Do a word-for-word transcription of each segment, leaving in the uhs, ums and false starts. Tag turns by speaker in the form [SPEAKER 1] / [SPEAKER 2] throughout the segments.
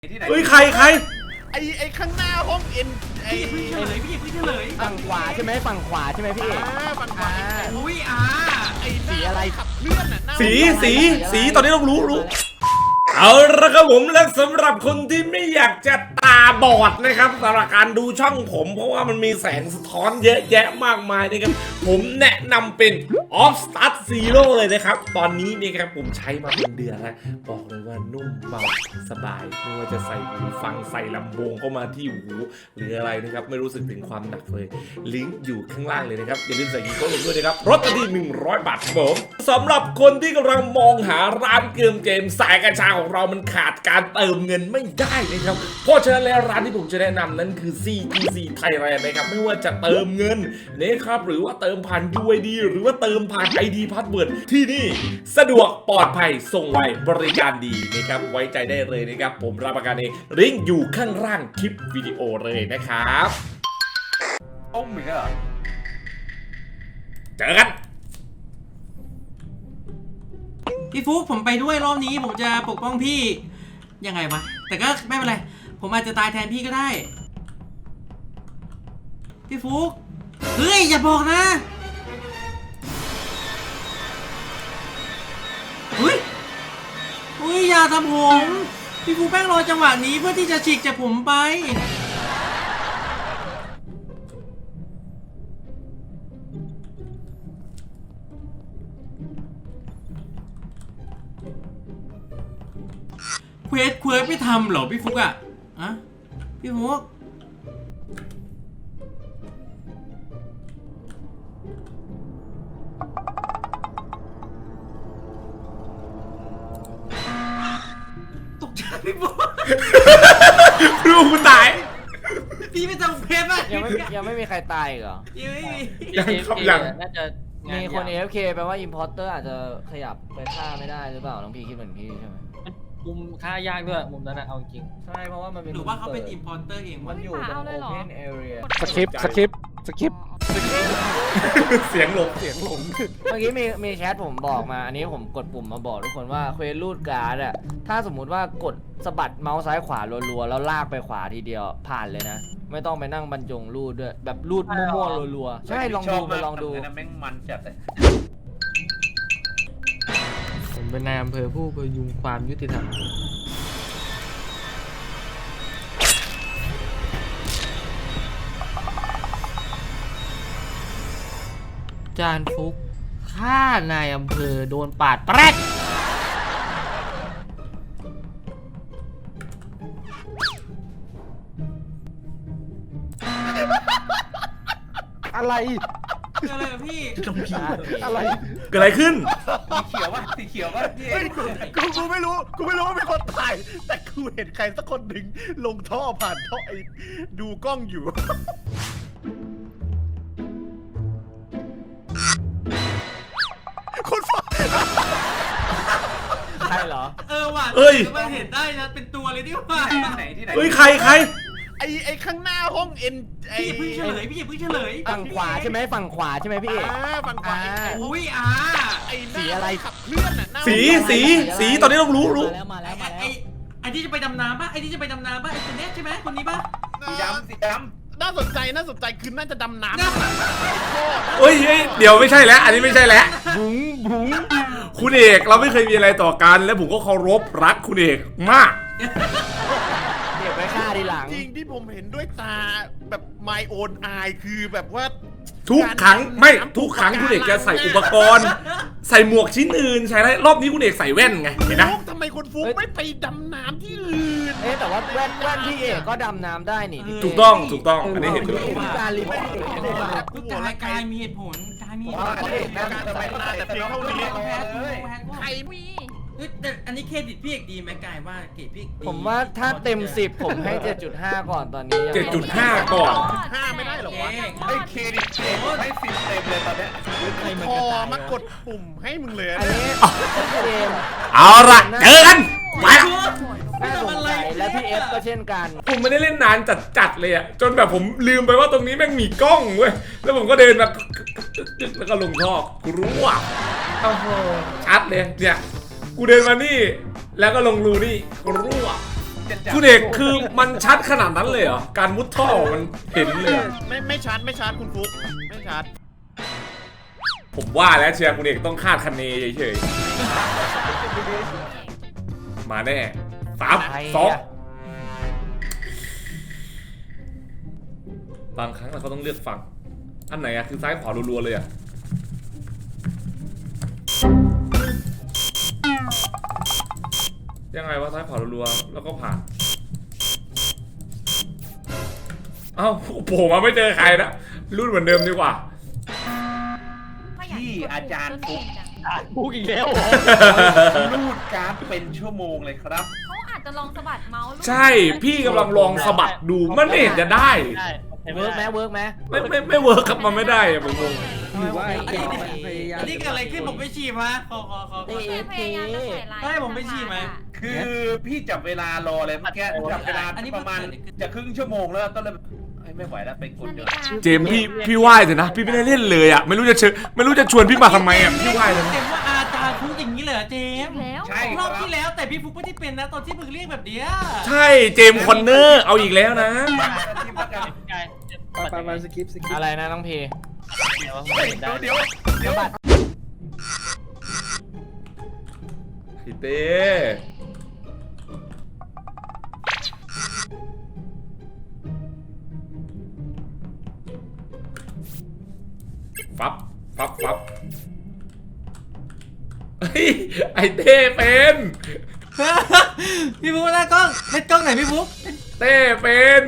[SPEAKER 1] เฮ้ยใครใคร
[SPEAKER 2] ไอไอข้างหน้าห้องเอ็นไอ
[SPEAKER 3] พี่เฉลยพี่พี่เฉลย
[SPEAKER 4] ฝั่งขวาใช่ไหมฝั่งขวาใช่ไหมพี่
[SPEAKER 2] ฝั่งขวา
[SPEAKER 3] อุ้ยอ่า
[SPEAKER 2] ไอสีอะไรขับเคลื่อนอ่ะ
[SPEAKER 1] สีสีสีตอนนี้ต้องรู้รู้เอาละครับผมและสำหรับคนที่ไม่อยากจะตาบอดนะครับสำหรับการดูช่องผมเพราะว่ามันมีแสงสะท้อนเยอะแยะมากมายนะครับผมแนะนำเป็น Off Start Zero เลยนะครับตอนนี้นี่ครับผมใช้มาเป็นเดือนแล้วบอกเลยว่านุ่มเบาสบายไม่ว่าจะใส่หูฟังใส่ลำโพงเข้ามาที่หูหรืออะไรนะครับไม่รู้สึกถึงความหนักเลยลิงก์อยู่ข้างล่างเลยนะครับอย่าลืมใส่กีโก้ลงด้วยนะครับลดทันทีหนึ่งร้อยบาทครับผมสำหรับคนที่กำลังมองหาร้านเกมเกมสายกัญชาของเรามันขาดการเติมเงินไม่ได้นะครับเพราะฉะนั้นแล้วร้านที่ผมจะแนะนำนั้นคือ ซี จี ซี Thailand นะครับไม่ว่าจะเติมเงินนะครับหรือว่าเติมผ่าน ยู ไอ ดี หรือว่าเติมผ่าน ไอ ดี Password ที่นี่สะดวกปลอดภัยส่งไวบริการดีนะครับไว้ใจได้เลยนะครับผมรับประกันเองลิงก์อยู่ข้างล่างคลิปวิดีโอเลยนะครับต้มอีกแล้วเจอกัน
[SPEAKER 3] พี่ฟุ๊กผมไปด้วยรอบนี้ผมจะปกป้องพี่ยังไงวะแต่ก็ไม่เป็นไรผมอาจจะตายแทนพี่ก็ได้พี่ฟุ๊กเฮ้ยอย่าบอกนะเฮ้ยเฮ้ยอย่าทำผมพี่ฟุ๊กแป้งรอจังหวะนี้เพื่อที่จะฉีกจากผมไปเควสเควสไม่ทำเหรอพี่ฟุกอะอะพี่ฟุกตกใจพี่ฟุก
[SPEAKER 1] ลูกกูตาย
[SPEAKER 3] พี่ไม่ทำเควสป่ะ
[SPEAKER 4] ยังไม่ยังไม่มีใครตายเหรอ
[SPEAKER 3] ยังไม่มี
[SPEAKER 1] ยังครับยัง
[SPEAKER 4] น่าจะมีคน เอ เอฟ เค แปลว่า Importer อาจจะขยับไปฆ่าไม่ได้หรือเปล่าน้องพี่คิดเหมือนพี่ใช่ไหม
[SPEAKER 5] มุมค่ายากด้วยมุมนั้นนะเอาจริง
[SPEAKER 4] ใช่เพราะว่ามันเป็น
[SPEAKER 3] หรือว่าเขาเป็น importer เอง
[SPEAKER 4] มันอยู่ตรง Open Area
[SPEAKER 6] สคริปสคริปสคริป
[SPEAKER 1] เสียงหลงเสียงหลง
[SPEAKER 4] เมื่อกี้มีมีแชทผมบอกมาอันนี้ผมกดปุ่มมาบอกทุกคนว่าเควสรูดการ์ดอะถ้าสมมุติว่ากดสะบัดเมาส์ซ้ายขวารัวๆแล้วลากไปขวาทีเดียวผ่านเลยนะไม่ต้องไปนั่งบรรจงรูดด้วยแบบรูดมั่วๆรัวๆใช่ลองดูไปลองดู
[SPEAKER 2] แม่งมันจัดเลย
[SPEAKER 5] ผมเป็นนายอำเภอผู้พยุงความยุติธรรมจานฟุกฆ่านายอำเภอโดนปาดแปรก
[SPEAKER 6] อะไร
[SPEAKER 3] อะไรอะพี่
[SPEAKER 6] อะไร
[SPEAKER 1] เกิดอะไรขึ้น
[SPEAKER 2] สีเขียววะสีเขียววะพี่กูกูไม่รู้กูไม่รู้ว่าเป็นคนถ่ายแต่กูเห็นใครสักคนหนึ่งลงท่อผ่านท่อไอ้ดูกล้องอยู่คนฟ้า
[SPEAKER 4] ใช่เหรอ
[SPEAKER 3] เออว่ะ
[SPEAKER 1] เอ้ย
[SPEAKER 3] มันเห็นได้นะเป็นตัวเลยที่ว่า
[SPEAKER 2] ไหนที่ไหน
[SPEAKER 1] เฮ้ยใครใคร
[SPEAKER 2] ไอไอข้างหน้าห้องเอ็นไอ
[SPEAKER 3] พี่เพิ่งเฉลยพี่เพิ่งเฉลย
[SPEAKER 4] ฝั่งขวาใช่ไหมฝั่งขวาใช่ไหมพี่
[SPEAKER 2] ฝั่งขวา
[SPEAKER 3] อุ้ยอ่า
[SPEAKER 2] ไอสีอะไรขับเคลื่อนอ่ะ
[SPEAKER 1] สีสีสีตอนนี้ต้องรู้รู้
[SPEAKER 4] มาแล้วมาแล้วมาแล้ว
[SPEAKER 3] ไอไอที่จะไปดำน้ำป่ะไอที่จะไปดำน้ำป่ะไอคนนี้ใช่ไหมคนนี้ป่ะ
[SPEAKER 2] สีดำสีดำน่าสนใจน่าสนใจคือน่าจะดำน้ำ
[SPEAKER 1] เฮ้ยเดี๋ยวไม่ใช่แล้วอันนี้ไม่ใช่แล้วบุ๋งบุ๋งคุณเอกเราไม่เคยมีอะไรต่อกันและผมก็เคารพรักคุณเอกมาก
[SPEAKER 4] เก็บไว้ฆ่าทีหลัง
[SPEAKER 2] จริงที่ผมเห็นด้วยตาแบบ my own eye คือแบบว่า
[SPEAKER 1] ทุกครั้งไม่ทุกครั้งคุณเอกจะใส่อุปกรณ์ใส่หมวกชิ้นอื่นใช่ไหมรอบนี้คุณเอกใส่แว่นไงเห็นไหม
[SPEAKER 2] ทำไมคนฟุกไม่ไปดำน้ำที่อื่น
[SPEAKER 4] เอ๊ะแต่ว่าแว่นแว่นพี่เอกก็ดำน้ำได้นี่
[SPEAKER 1] ถูกต้องถูกต้องอันนี้เห็นด้วย
[SPEAKER 4] การรีพอร์ต
[SPEAKER 3] ทุกกายกายมีเหตุผลกายมีเหตุผล
[SPEAKER 2] การทำไมน่าแต่เพียงเท่านี้
[SPEAKER 3] ใครมีแต่อันนี้เครดิตพี่เอกดีไหมกายว่าเกรดพี่
[SPEAKER 4] ผมว่าถ้าเต็มสิบผมให้ เจ็ดจุดห้า ก่อนตอนนี้
[SPEAKER 1] เจ็ดจุดห้า ก่อน
[SPEAKER 2] ห้าไม่ได้หรอวะให้เครดิตให้สิบเต็มเลยตอนนี้พอมากดปุ่มให้มึงเลย
[SPEAKER 4] อันนี้เกม
[SPEAKER 1] เอาละเจอกันมา
[SPEAKER 4] น่าสงสัยและพี่เอฟก็เช่นกัน
[SPEAKER 1] ผมไม่ได้เล่นนานจัดๆเลยอะจนแบบผมลืมไปว่าตรงนี้แม่งมีกล้องเว้ยแล้วผมก็เดินมาแล้วก็ลงท่อกูรู้อ่ะโอ้โหชัดเลยเนี่ยกูเดินมานี่แล้วก็ลงรูนี่กูรู้อ่ะ
[SPEAKER 2] จะจับ
[SPEAKER 1] คุณเอกคือมันชัดขนาดนั้นเลยเหรอการมุดท่อมันเห็นเลยอะ
[SPEAKER 2] ไม่ไม่ชัดไม่ชัดคุณฟุกไม่ชัด
[SPEAKER 1] ผมว่าแล้วเชียร์คุณเอกต้องคาดคะเนเฉยๆมาแน่สามสองบางครั้งเราก็ต้องเลือกฝั่งอันไหนอะคือซ้ายขวารัวๆเลยอะยังไงวะซ้ายขวารัวๆแล้วก็ผ่านเอ้าโผล่มาไม่เจอใครนะรุ่นเหมือนเดิมดีกว่า
[SPEAKER 2] ที่อาจารย์ฟุก
[SPEAKER 6] พูดอีกแล้ว
[SPEAKER 2] รูดการ์ดเป็นชั่วโมงเลยครับ
[SPEAKER 7] เขาอาจจะลองสะบัดเมาส์
[SPEAKER 1] ใช่พี่กำลังลองสะบัดดูมันไม่เห็นจะได้
[SPEAKER 4] เวิร์กไหมเวิร์กไหม
[SPEAKER 1] ไม่ไม่ไม่เวิร์กครับมันไม่ได้อะผมงง
[SPEAKER 6] หรือว่า
[SPEAKER 3] อันนี้อันนี้เกิดอะไรขึ้นผมไปฉี่มาขอขอขอขอ
[SPEAKER 7] แค่พยายามจะใส่ร้าย
[SPEAKER 3] ได้ผมไม่ฉี่ไหม
[SPEAKER 2] คือพี่จับเวลารอเลยเมื่อกี้จับเวลาประมาณจะครึ่งชั่วโมงแล้วต้นเลยไม่ไหวแล้วไปกด
[SPEAKER 7] นา
[SPEAKER 2] เดี๋
[SPEAKER 7] ฬิ
[SPEAKER 2] ยว
[SPEAKER 7] กา
[SPEAKER 1] เจมส์พี่พี่ไหว้เถอะนะพี่ไม่ได้เล่นเลยอ่ะไม่รู้จะเชิญไม่รู้จะชวนพี่มาทำไมอ่ะพี่ไหว้เลยนะ
[SPEAKER 3] เจมส์ว่าอาจารย์ฟุกอย่างนี้เหรอเจมส์
[SPEAKER 7] แล้ว
[SPEAKER 2] ใช่
[SPEAKER 3] รอบที่แล้วแต่พี่ฟุกไม่ได้เป็นนะตอนที่มึงเรียกแบบเนี้ย
[SPEAKER 1] ใช่เจมส์คอนเนอร์เอาอีกแล้วนะ
[SPEAKER 6] ไปไปสกิปสกิป
[SPEAKER 4] อะไรนะน้องพี
[SPEAKER 2] เดี๋ยวเดี๋ยวเดี๋ยว
[SPEAKER 1] พี่เต้ฟับฟับฟับเฮ้ยไอเต้เป็น
[SPEAKER 3] พี่ฟุกหน้ากล้องเล่นกล้องไหนพี่ฟุก
[SPEAKER 1] เต้เป็น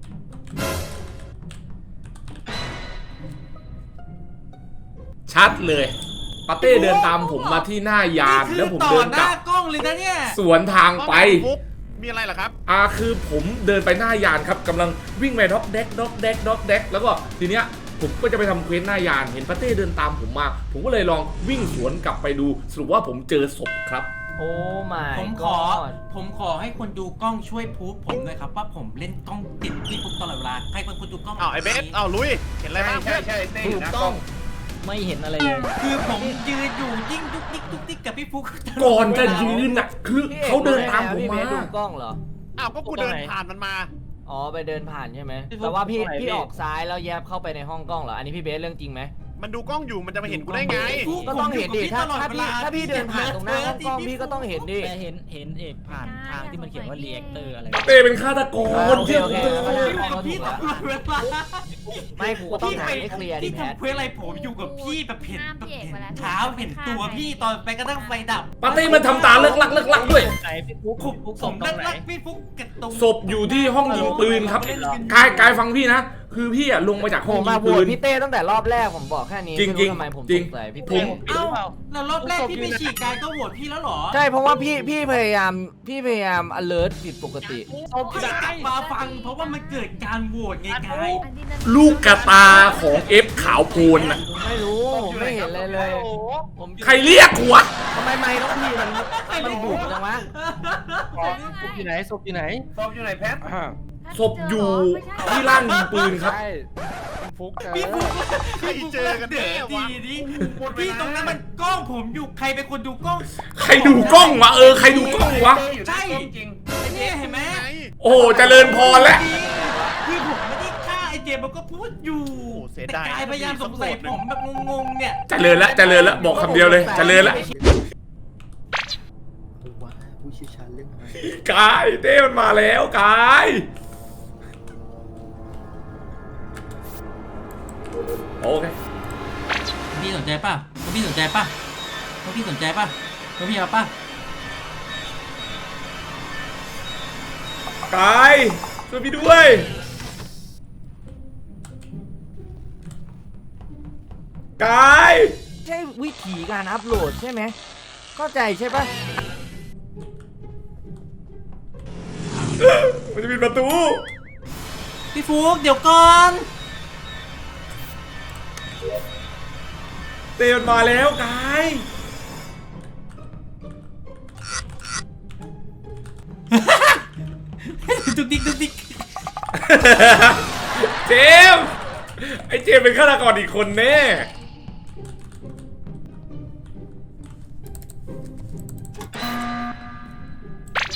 [SPEAKER 1] ชัดเลยปาเต้เดินตามผมมาที่หน้ายานแล้วผม
[SPEAKER 3] ต่อ
[SPEAKER 1] เดิน
[SPEAKER 3] ห
[SPEAKER 1] กลั
[SPEAKER 3] น้า
[SPEAKER 1] บ
[SPEAKER 3] กล้องเลยนะเนี่ย
[SPEAKER 1] สวนทางไป
[SPEAKER 2] ฟุกมีอะไรเหรอครับ
[SPEAKER 1] อ่าคือผมเดินไปหน้ายานครับกำลังวิ่งไปด็อกเด็กด็อกเด็กด็อกเด็กแล้วก็ทีเนี้ยผมก็จะไปทำเควสหน้ายานเห็นปาเต้เดินตามผมมา ผมก็เลยลองวิ่งสวนกลับไปดูสรุปว่าผมเจอศพครับ
[SPEAKER 4] โอ้ไม่
[SPEAKER 3] ผมขอ ผมขอให้คนดูกล้องช่วยพูดผมหน่อยครับว่าผมเล่นกล้องติดพี่ฟุกตลอดเวลาให้คนดูกล้อง
[SPEAKER 2] อ้าวไอเบสอ้าวลุยเห็นอะไรบ้าง
[SPEAKER 8] ใช่ใช่เต้อยู่นะกล้อง
[SPEAKER 4] ไม่เห็นอะไรเลย
[SPEAKER 3] คือผมยืนอยู่ยิ่งดุกดิกดุกดิกกับพี่ฟุก
[SPEAKER 1] ก่อนจะยืนน่ะคือเขาเดินตามผม
[SPEAKER 4] พี่เบ
[SPEAKER 1] มา
[SPEAKER 4] สดูกล้องเหรอ
[SPEAKER 2] อ้าวก็กูเดินผ่านมันมา
[SPEAKER 4] อ๋อไปเดินผ่านใช่ไหมแต่ว่าพี่พี่ออกซ้ายแล้วแยบเข้าไปในห้องกล้องเหรอ อันนี้พี่เบสเรื่องจริงไหม
[SPEAKER 2] มันดูกล้องอยู่มันจะมาเห็นกูได้ไง
[SPEAKER 4] ก็ต้องเห็นดิถ้าถ้าพี่ถ้าพี่เดินผ่านตรงหน้าห้องกล้องพี่ก็ต้องเห็นดิ
[SPEAKER 9] แต่เห็นเห็นเอกผ่านทางที่มันเขียนว่า reactor อะไร
[SPEAKER 1] ปาเต้เป็นฆาตกร
[SPEAKER 4] โอเคโอเค
[SPEAKER 1] เชื่อผม
[SPEAKER 4] แล้ว
[SPEAKER 1] เถ
[SPEAKER 4] ก็
[SPEAKER 1] อะ
[SPEAKER 4] ได้
[SPEAKER 3] พี่ตลอดเวลา
[SPEAKER 4] ไม่กูก็ต้องหาให้เคลียร์ดิ
[SPEAKER 3] ที่
[SPEAKER 4] แพท
[SPEAKER 3] ทำเพื่ออะไรผมอยู่กับพี่แบบเห็นแบบเห็นเท้าเห็นตัวพี่ตอนไปกระทั่งไฟดับ
[SPEAKER 1] ปาเต้มันทำตาเลิกลักเลิกลักด้วย
[SPEAKER 9] ไหนพี่ฟุ๊ก
[SPEAKER 3] ผม
[SPEAKER 9] ฟุ๊ก
[SPEAKER 3] ผ
[SPEAKER 9] ส่ง
[SPEAKER 3] ม
[SPEAKER 9] ตร
[SPEAKER 3] นั่
[SPEAKER 9] ง
[SPEAKER 3] ง
[SPEAKER 9] ไหน
[SPEAKER 3] รักพี่ฟุกกับตรง
[SPEAKER 1] ศพอยู่ที่ห้องยิงปืนครับกายกายฟังพี่นะคือพี่อะลงมาจาก
[SPEAKER 4] ผ
[SPEAKER 1] ห้อง
[SPEAKER 4] ม
[SPEAKER 1] ยิ
[SPEAKER 4] มาง โหว
[SPEAKER 1] ปื
[SPEAKER 4] ต
[SPEAKER 1] น
[SPEAKER 4] พี่เต้ตั้งแต่รอบแรกผมบอกแค่นี้
[SPEAKER 1] จริงๆ
[SPEAKER 4] ไม่ทำไมผม
[SPEAKER 1] จริ
[SPEAKER 4] ส
[SPEAKER 1] ง
[SPEAKER 4] งสัยพี่
[SPEAKER 1] ผ
[SPEAKER 4] เต้
[SPEAKER 1] ม
[SPEAKER 3] เอ้าแล้วรอบแรกพี่ไปฉีกกายก็โหวตพี่แล้วเหรอ
[SPEAKER 4] ใช่เพราะว่าพี่พี่พยายามพี่พยายาม alert ผิดปกติ
[SPEAKER 3] พี่กลับมาฟังเพราะว่ามันเกิดการโหวตไงกาย
[SPEAKER 1] ลูกกระตาของเอฟขาวโพลนน่ะ
[SPEAKER 4] ผมไม่รู้ผมไม่เห็นเลยเลยผม
[SPEAKER 1] ใครเรียกหัว
[SPEAKER 4] ทำไมไม่ต้องพี่มันมันบุกจังวะ
[SPEAKER 6] ศพอยู่ไหนศพอยู่ไหน
[SPEAKER 8] ศพอยู่ไหนแพท
[SPEAKER 6] อ่า
[SPEAKER 1] ศพอยู่ที่ล่างยิงปืนครับ
[SPEAKER 6] ใช่ฟุกเจอ
[SPEAKER 3] พี่ฟุก
[SPEAKER 2] ใครเจอกันแน่
[SPEAKER 3] เดี๋ยว
[SPEAKER 2] วะ
[SPEAKER 3] ดีดิพี่ตรงนั้นมันกล้องผมอยู่ใครเป็นคนดูกล้อง
[SPEAKER 1] ใครดูกล้องวะเออใครดูกล้องวะ
[SPEAKER 8] เต้อยู่นะกล้องจริง
[SPEAKER 3] ไอ้เนี่ยเห็นไหม
[SPEAKER 1] โอ้โหเจริญพรแล้ว
[SPEAKER 3] คือผมไม่ได้ฆ่าไอ้เจมส์มันก็พูดอยู่
[SPEAKER 2] เสีย
[SPEAKER 3] แต่
[SPEAKER 2] ดาย
[SPEAKER 3] กายพยายามสงสัยผมแบบงงๆเนี่ย
[SPEAKER 1] เจริญละเจริญละบอกคำเดียวเลยเจริญละ
[SPEAKER 6] ว้าผู้เชี่ยวชาญเรื่องอะไร
[SPEAKER 1] กายเต้มันมาแล้วกายโอเค
[SPEAKER 3] พี่สนใจป่ะพี่สนใจป่ะพี่สนใจป่ะพี่เอาป่ะ
[SPEAKER 1] กายช่วยพี่ด้วยกาย
[SPEAKER 4] ใช่วิธีการอัพโหลดใช่ไหมเข้าใจใช่ปะ
[SPEAKER 1] มันจะปิดประตู
[SPEAKER 3] พี่ฟุกเดี๋ยวก่อน
[SPEAKER 1] เต้มันมาแล้วกาย
[SPEAKER 3] ดุกดิกดุกดิก
[SPEAKER 1] เจมส์ไอเจมส์เป็นฆาตกรอีกคนแน่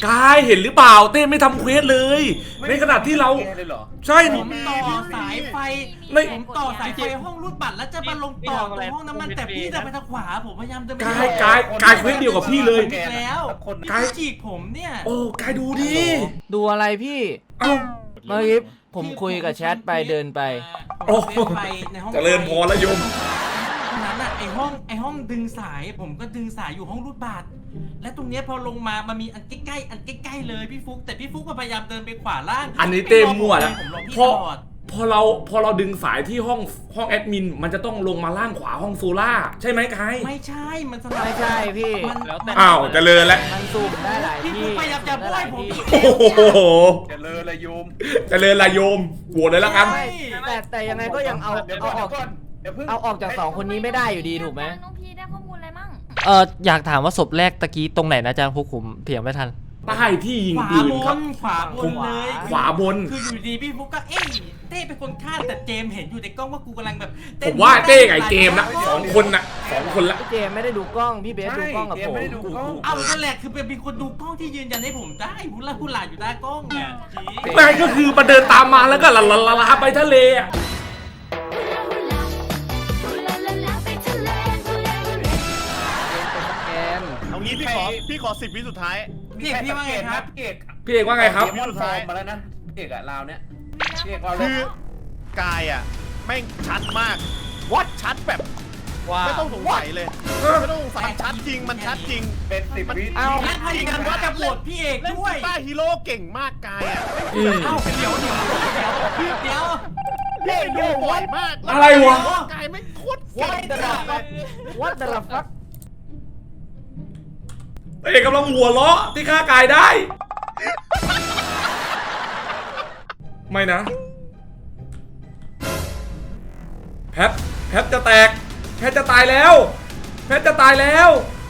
[SPEAKER 1] กายเห็นหรือเปล่าเต้ไม่ทำเควสเลย ในขณะที่เรา
[SPEAKER 8] แกเลยเหรอ
[SPEAKER 1] ใช่
[SPEAKER 3] ผมต่อสายไฟ
[SPEAKER 1] ไม่
[SPEAKER 3] ผมต่อสายไฟห้องรูดบัตรแล้วจะมาลงต่อตรงห้องน้ำมันแต่พี่จะไปทางขวาผมพยายามจะ
[SPEAKER 1] กายกายกายเควสเดียวกับพี่เลย
[SPEAKER 3] อีกแล้ว
[SPEAKER 8] คน
[SPEAKER 1] กาย
[SPEAKER 3] พี่จีกผมเนี่ย
[SPEAKER 1] โอ้กายดูดิ
[SPEAKER 4] ดูอะไรพี่
[SPEAKER 1] เอ้า
[SPEAKER 4] เมื่อกี้ผมคุยกับแชทไปเดินไป
[SPEAKER 1] โอ้
[SPEAKER 3] เดินไปในห้อง
[SPEAKER 1] เจริญพรแล้วโยม
[SPEAKER 3] ตรงนั้นอะไอห้องไอห้องดึงสายผมก็ดึงสายอยู่ห้องรูดบัตรและตรงเนี้ยพอลงมามันมีอันใกล้ๆอันใกล้ๆเลยพี่ฟุกแต่พี่ฟุกก็พยายามเดินไปขวาล่าง
[SPEAKER 1] อันนี้เต้มั่วแล้ว
[SPEAKER 3] ผมรอพี่
[SPEAKER 1] พอ
[SPEAKER 3] ตลอด
[SPEAKER 1] พอเราพอเราดึงสายที่ห้องห้องแอดมินมันจะต้องลงมาล่างขวาห้องโซล่าใช่ไหมกาย
[SPEAKER 3] ไม่ใช่มันสลับ
[SPEAKER 4] ไม่ใช่พี่
[SPEAKER 3] มัน
[SPEAKER 9] แล้วแต่
[SPEAKER 1] อ้าวเจริญแล้ว
[SPEAKER 4] มันซูมได้หลาย
[SPEAKER 3] พี่
[SPEAKER 4] ที่
[SPEAKER 3] ฟุกพยายามจะบ้วยผม
[SPEAKER 1] โอ้โห
[SPEAKER 8] จะเลอละโยม
[SPEAKER 1] เจริญละโยมโหวตเลยละกัน
[SPEAKER 4] ไม่แต่แต่ยังไงก็ยังเอา
[SPEAKER 8] เดี๋ยว
[SPEAKER 4] เอา
[SPEAKER 8] ก่อน
[SPEAKER 4] ออก
[SPEAKER 8] ก่อนเดี๋ยวเพิ่ง
[SPEAKER 4] เอาออกจากสองคนนี้ไม่ได้อยู่ดีถูกไหม
[SPEAKER 7] น้องพีได้ข้อมูลอะไรมั่ง
[SPEAKER 5] เอออยากถามว่าศพแรกตะกี้ตรงไหนนะอาจารย์ฟุกผมเถียงไม่ทัน
[SPEAKER 1] ใต้ที่ยิง
[SPEAKER 3] ขวา
[SPEAKER 1] ปืน
[SPEAKER 3] บ
[SPEAKER 1] ครับ
[SPEAKER 3] นขวาบนเลย
[SPEAKER 1] ขวาบน
[SPEAKER 3] คืออยู่ดีพี่ฟุกก็เอ้ยเต้เป็นคนฆ่าแต่เจมส์เห็นอยู่ในกล้องว่ากูกำลังแบบ
[SPEAKER 1] ผมว่าเต้กับไอ้เจมส์นะสองคนนะสองคนละ
[SPEAKER 4] พี่เจมไม่ได้ดูกล้องพี่เบสดูกล้องกับ
[SPEAKER 8] ใช่
[SPEAKER 4] ผม
[SPEAKER 8] เจมไม่ได้ดูกล้อง
[SPEAKER 3] เอานั่นแหละคือเป็นคนดูกล้องที่ยืนยันให้ผมได้หุลาหุลาอยู่หน้ากล้องเนี่ยจริง
[SPEAKER 1] นายก็คือมาเดินตามมาแล้วก็ละละละละไปทะเลอะ
[SPEAKER 6] แกน
[SPEAKER 2] เอางี้พี่ขอพี่ขอสิบวิสุดท้าย
[SPEAKER 3] พี่เอกพี่ว่าไงครับ
[SPEAKER 8] พี่เอก
[SPEAKER 1] พี่เอกว่าไงครับ
[SPEAKER 8] เดี๋ยวมันฟอร์มมาแล้วนะพี่เอกอะลาวเนี้ยพี่เอกเราเล
[SPEAKER 2] คื
[SPEAKER 8] ย
[SPEAKER 2] อกายอ่ะแม่งชัดมากวัดชัดแบบ
[SPEAKER 6] ว่า
[SPEAKER 2] ไม่ต้องสงสัยเลยไม่ต้องสงสัยชัดจริงมันชัดจริง
[SPEAKER 8] เป็นสิบวิ
[SPEAKER 4] เอา
[SPEAKER 3] งั้นพยายามว่าจะโหวตพี่เอก
[SPEAKER 2] เล่น
[SPEAKER 3] ด้วย
[SPEAKER 2] กีตาร์ฮีโร่เก่งมากกายอ่ะ
[SPEAKER 1] อืม
[SPEAKER 3] เอ้าเดี๋ยวเดี๋ยวเดี๋ยวเดี๋ยว
[SPEAKER 2] พี่ดูบ่อยมาก
[SPEAKER 1] อะไรวะ
[SPEAKER 2] กายไม่งโคตรเก่ง
[SPEAKER 4] วัดดาฟักวัดดาฟัก
[SPEAKER 1] เต้กำลังหัวเราะที่ฆ่ากายได้ ไม่นะ แพทแพทจะแตก แพทจะตายแล้ว แพทจะตายแล้ว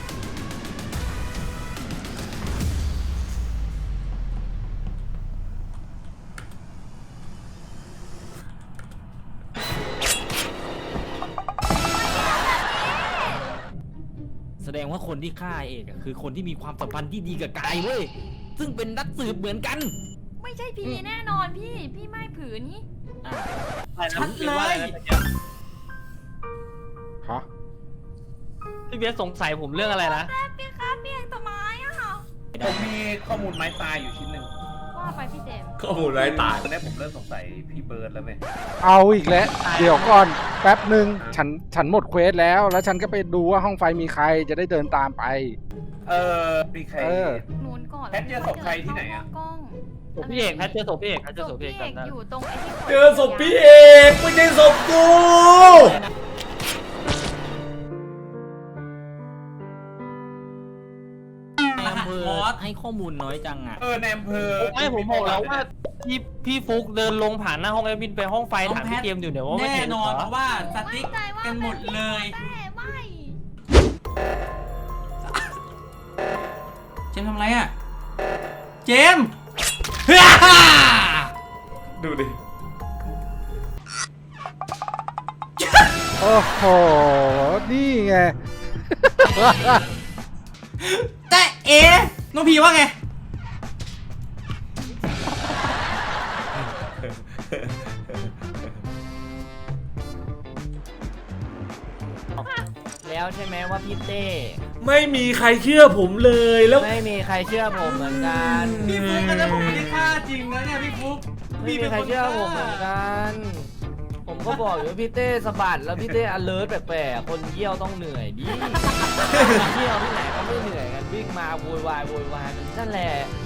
[SPEAKER 9] แสดงว่าคนที่ฆ่าเอกอะคือคนที่มีความสัมพันธ์ที่ดีกับกายเว้ยซึ่งเป็นนักสืบเหมือนกัน
[SPEAKER 7] ไม่ใช่พีแน่นอนพี่ พี่ไม่ผืนนี้
[SPEAKER 3] ชัดเลย
[SPEAKER 6] ฮะพี่เบสสงสัยผมเรื่องอะไรนะ
[SPEAKER 7] แป๊บพี่ครับพี่เอกต้นไม้อะ
[SPEAKER 8] ผมมีข้อมูลไม้ตายอยู่ชิ้นหนึ่ง
[SPEAKER 7] ว่าไปพี่เจมส์
[SPEAKER 1] ข้อมูลไร้ตาย
[SPEAKER 8] ตอนนี้ผมเริ่มสงสัยพี่เบิร์ดแล้วไหม
[SPEAKER 6] เอาอีกแล้ว เดี๋ยวก่อนแป๊บหนึ่งฉันฉันหมดเควสแล้ว แล้วฉันก็ไปดูว่าห้องไฟมีใครจะได้เดินตามไป
[SPEAKER 8] เออมีใคร
[SPEAKER 6] เออ
[SPEAKER 7] หนุนก่อน
[SPEAKER 8] แพทเจอศพใครที่ไหนอะ
[SPEAKER 7] กล้อง
[SPEAKER 5] ศพพี่เอกแพทเจอศพพี่เอกแพทเจอศ
[SPEAKER 7] ศ
[SPEAKER 5] พ
[SPEAKER 7] พ
[SPEAKER 5] พี่
[SPEAKER 7] พี่
[SPEAKER 5] เอก
[SPEAKER 7] เอก
[SPEAKER 5] จำได้
[SPEAKER 7] อยู่ตรงไอ้ที่
[SPEAKER 1] เจอศพพี่เอกไม่ใช่ศพกู
[SPEAKER 9] ในอำเภอให้ข้อมูลน้อยจังอ่ะ
[SPEAKER 8] เออในอำเภอ
[SPEAKER 5] ไม่ผมบอกแล้วว่าพี่พี่ฟุกเดินลงผ่านหน้าห้องแอดมินไปห้องไฟถามพี่เกมอยู่เนี่ยว่าไม่
[SPEAKER 3] แน่
[SPEAKER 5] เห็น
[SPEAKER 3] น
[SPEAKER 5] เหร
[SPEAKER 3] อน
[SPEAKER 5] อ
[SPEAKER 3] เพราะว่าสติ๊กกันหมดเลย
[SPEAKER 7] แต่ไม่
[SPEAKER 3] เจมส์ทำไรอ่ะ เจมส์
[SPEAKER 1] ดูดิ
[SPEAKER 6] โอ้โห นี่ไง
[SPEAKER 3] แต่เอ๋น้องพีว่าไง
[SPEAKER 4] แล้วใช่ไหมว่าพี่เต้
[SPEAKER 1] ไม่มีใครเชื่อผมเลยแล้ว
[SPEAKER 4] ไม่มีใครเชื่อผมเหมือนกัน
[SPEAKER 3] พี่ฟุกอันนั้นผมไม่ได้ฆ่าจริงนะเนี่ยพี่ฟุก
[SPEAKER 4] ไม่มีใครเชื่อผมเหมือนกัน ผมก็บอกอยู่ว่าพี่เต้สะบัดแล้วพี่เต้ alert แปลกๆคนเยี่ยวต้องเหนื่อยดิ เยี่ยวที่ไหนเขาไม่เหนื่อยกันวิ่งมาโวยวายโวยวายนั่นแหละ